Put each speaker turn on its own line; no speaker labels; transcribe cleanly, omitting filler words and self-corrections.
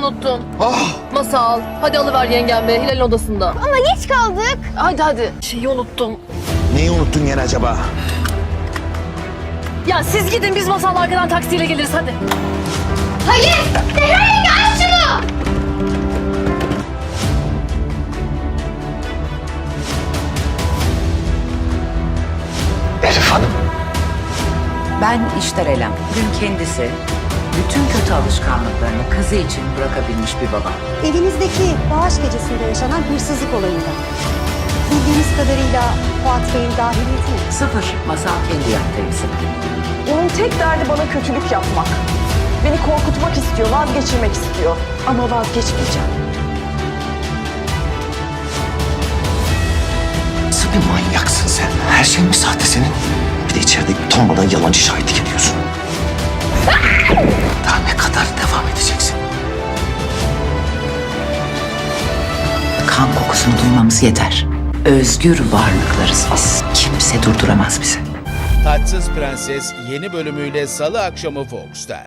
unuttun.
Ah!
Masal, hadi alıver yengem be, Hilal'in odasında.
Ama geç kaldık.
Hadi. Şeyi unuttum.
Neyi unuttun gene acaba?
Ya siz gidin, biz Masal'la arkadan taksiyle geliriz hadi.
Hayır! Zehra yenge aç şunu!
Elif Hanım.
Ben İştar Elem. Bugün kendisi bütün kötü alışkanlıklarını kızı için bırakabilmiş bir baba.
Evinizdeki bağış gecesinde yaşanan hırsızlık olayında. Bildiğiniz kadarıyla Fuat Bey'in dahiliyeti mi?
Sıfır masal kendi yaptığı isim.
Onun tek derdi bana kötülük yapmak. Beni korkutmak istiyor, vazgeçirmek istiyor. Ama vazgeçmeyeceğim.
Nasıl bir manyaksın sen? Her şey mi sahte senin? Bir de içeride utanmadan yalancı şahitlik ediyorsun. Daha ne kadar devam edeceksin?
Kan kokusunu duymamız yeter. Özgür varlıklarız biz. Kimse durduramaz bizi.
Taçsız Prenses yeni bölümüyle Salı akşamı Fox'ta.